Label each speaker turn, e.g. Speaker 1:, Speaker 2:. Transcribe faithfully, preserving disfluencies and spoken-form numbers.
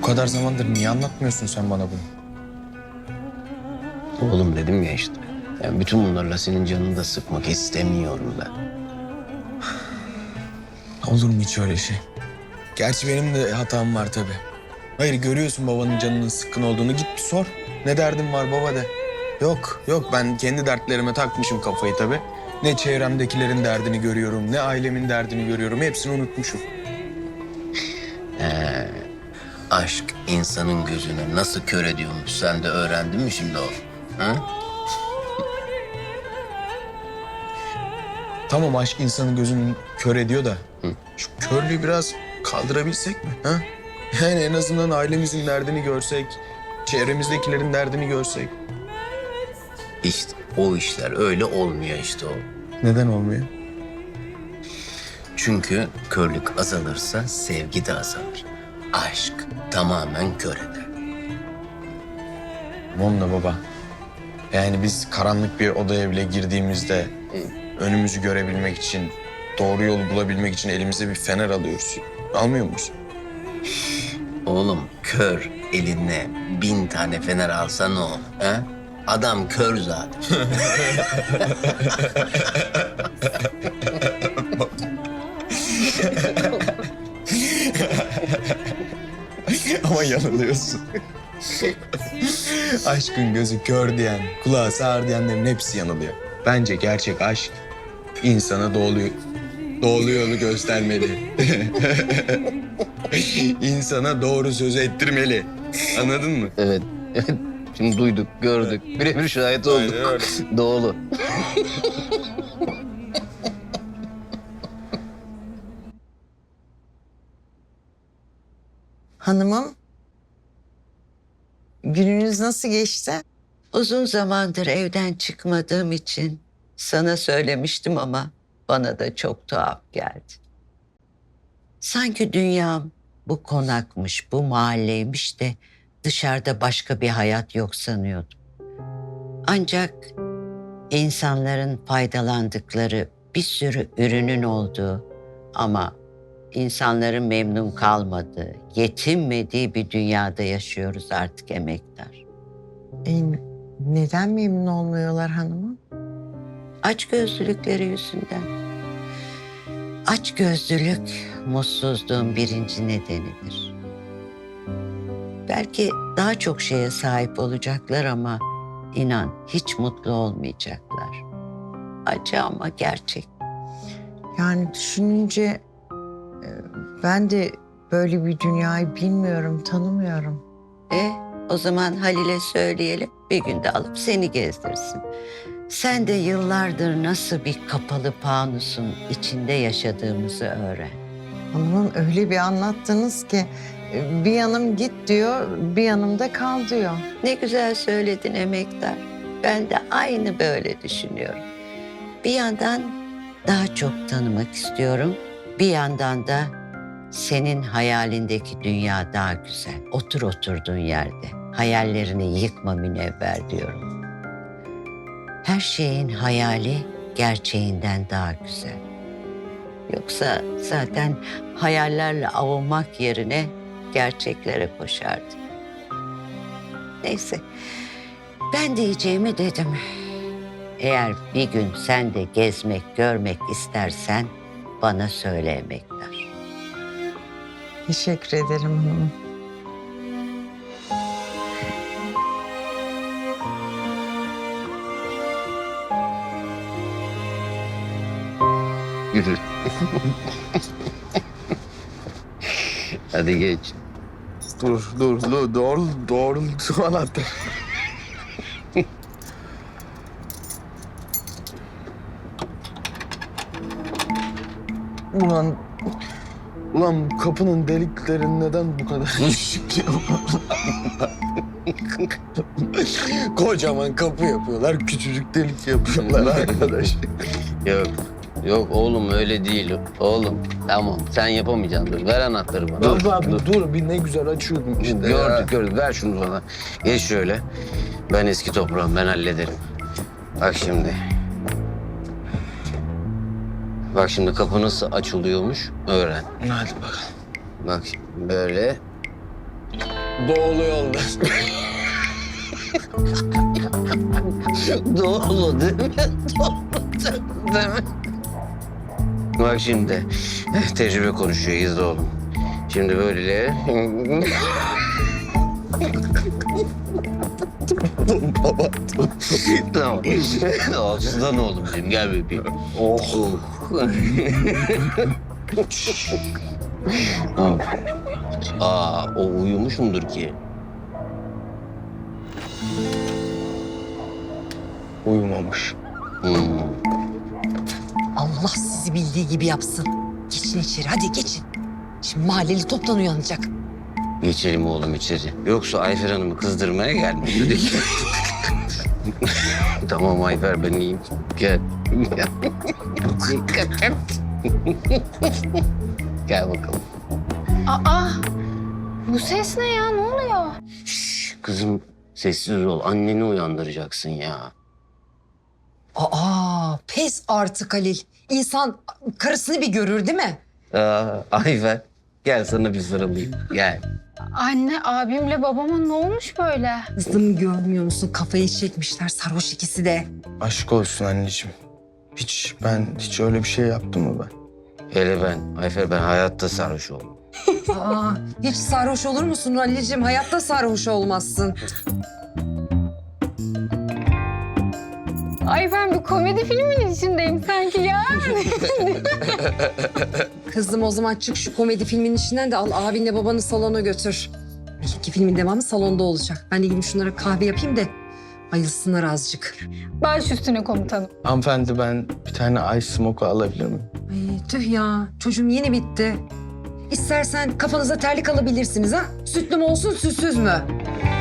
Speaker 1: kadar zamandır niye anlatmıyorsun sen bana bunu?
Speaker 2: Oğlum dedim ya işte. Yani bütün bunlarla senin canını da sıkmak istemiyorum ben.
Speaker 1: Olur mu hiç öyle şey? Gerçi benim de hatam var tabii. Hayır, görüyorsun babanın canının sıkkın olduğunu, git bir sor. Ne derdin var baba de. Yok yok, ben kendi dertlerime takmışım kafayı tabii. Ne çevremdekilerin derdini görüyorum, ne ailemin derdini görüyorum. Hepsini unutmuşum.
Speaker 2: Ee, aşk insanın gözüne nasıl kör ediyormuş, sen de öğrendin mi şimdi o? Ha?
Speaker 1: Tamam, aşk insanın gözünü kör ediyor da şu körlüğü biraz kaldırabilsek mi? Ha? Yani en azından ailemizin derdini görsek, çevremizdekilerin derdini görsek.
Speaker 2: İşte o işler öyle olmuyor işte o.
Speaker 1: Neden olmuyor?
Speaker 2: Çünkü körlük azalırsa sevgi de azalır. Aşk tamamen kör eder.
Speaker 1: Tamam da baba. Yani biz karanlık bir odaya bile girdiğimizde önümüzü görebilmek için, doğru yolu bulabilmek için elimize bir fener alıyoruz. Almıyor muyuz?
Speaker 2: Oğlum kör eline bin tane fener alsa ne olur? Ha? Adam kör zaten.
Speaker 1: Ama yanılıyorsun. Aşkın gözü kör diyen, kulağı sağır diyenlerin hepsi yanılıyor. Bence gerçek aşk insana doğru, doğru yolu göstermeli. İnsana doğru sözü ettirmeli. Anladın mı?
Speaker 2: Evet, evet. Şimdi duyduk, gördük. Birebir şahit olduk.
Speaker 1: Aynen öyle.
Speaker 2: Doğru.
Speaker 3: Hanımım, gününüz nasıl geçti?
Speaker 4: Uzun zamandır evden çıkmadığım için sana söylemiştim ama bana da çok tuhaf geldi. Sanki dünyam bu konakmış, bu mahalleymiş de dışarıda başka bir hayat yok sanıyordum. Ancak insanların faydalandıkları bir sürü ürünün olduğu ama insanların memnun kalmadığı, yetinmediği bir dünyada yaşıyoruz artık emektar.
Speaker 3: E, neden memnun olmuyorlar hanımım?
Speaker 4: Açgözlülükleri yüzünden. Açgözlülük mutsuzluğun birinci nedenidir. Belki daha çok şeye sahip olacaklar ama inan hiç mutlu olmayacaklar. Acı ama gerçek.
Speaker 3: Yani düşününce e, ben de böyle bir dünyayı bilmiyorum, tanımıyorum.
Speaker 4: E o zaman Halil'e söyleyelim, bir günde alıp seni gezdirsin. Sen de yıllardır nasıl bir kapalı fanusun içinde yaşadığımızı öğren.
Speaker 3: Hanımım öyle bir anlattınız ki e, bir yanım git diyor, bir yanımda kal diyor.
Speaker 4: Ne güzel söyledin emektar. Ben de aynı böyle düşünüyorum. Bir yandan daha çok tanımak istiyorum. Bir yandan da senin hayalindeki dünya daha güzel. Otur oturduğun yerde. Hayallerini yıkma Münevver diyorum. Her şeyin hayali gerçeğinden daha güzel. Yoksa zaten hayallerle avunmak yerine gerçeklere koşardım. Neyse, ben diyeceğimi dedim. Eğer bir gün sen de gezmek, görmek istersen bana söyle emektar.
Speaker 3: Teşekkür ederim hanımım.
Speaker 2: Yürü. Hadi geç.
Speaker 1: Dur, dur, dur. Doğru, doğru. Su anahtar. Ulan, ulan bu kapının delikleri neden bu kadar küçük ya? Kocaman kapı yapıyorlar, küçücük delik yapıyorlar arkadaş.
Speaker 2: Yok. Yok oğlum öyle değil. Oğlum tamam sen yapamayacaksın. Dur ver anahtarı bana.
Speaker 1: Dur, dur, dur. Bir ne güzel açıyordum işte.
Speaker 2: Gördük
Speaker 1: ya.
Speaker 2: gördük. Ver şunu bana. Geç şöyle. Ben eski toprağım. Ben hallederim. Bak şimdi. Bak şimdi kapı nasıl açılıyormuş öğren.
Speaker 1: Hadi bakalım.
Speaker 2: Bak böyle.
Speaker 1: Doğulu yolda.
Speaker 2: Doğru değil mi? Doğru değil mi? Bak şimdi, tecrübe konuşuyor, izle oğlum. Şimdi böyle...
Speaker 1: Baba.
Speaker 2: Tamam. Aslan oğlum benim, gel bebeğim. Oh. Tamam. Aa, o uyumuş mudur ki?
Speaker 1: Uyumamış.
Speaker 2: Hmm.
Speaker 5: Allah sizi bildiği gibi yapsın. Geçin içeri, hadi geçin. Şimdi mahalleli toptan uyanacak.
Speaker 2: Geçelim oğlum içeri. Yoksa Ayfer Hanım'ı kızdırmaya gelmedik. Tamam Ayfer, ben iyiyim. Gel. Dikkat et. Gel bakalım.
Speaker 6: Aa, bu ses ne ya? Ne oluyor?
Speaker 2: Şş, kızım sessiz ol. Anneni uyandıracaksın ya.
Speaker 5: Aa, pes artık Halil. İnsan karısını bir görür değil mi?
Speaker 2: Aa, Ayfer, gel sana bir sarılayım. Gel.
Speaker 6: Anne, abimle babama ne olmuş böyle?
Speaker 5: Kızım görmüyor musun? Kafayı çekmişler sarhoş ikisi de.
Speaker 1: Aşk olsun anneciğim. Hiç ben hiç öyle bir şey yaptım mı ben?
Speaker 2: Hele ben, Ayfer ben hayatta sarhoş oldum.
Speaker 5: Aa, hiç sarhoş olur musun Halil'ciğim? Hayatta sarhoş olmazsın.
Speaker 6: Ay ben bir komedi filminin içindeyim sanki ya.
Speaker 5: Kızım o zaman çık şu komedi filminin içinden de al abinle babanı salona götür. İki filmin devamı salonda olacak. Ben de gidip şunlara kahve yapayım da ayılsınlar azıcık.
Speaker 6: Baş üstüne komutanım.
Speaker 1: Hanımefendi ben bir tane ice smoke alabilir miyim?
Speaker 5: Ay, tüh ya çocuğum yeni bitti. İstersen kafanıza terlik alabilirsiniz ha. Sütlü mü olsun sütsüz mü?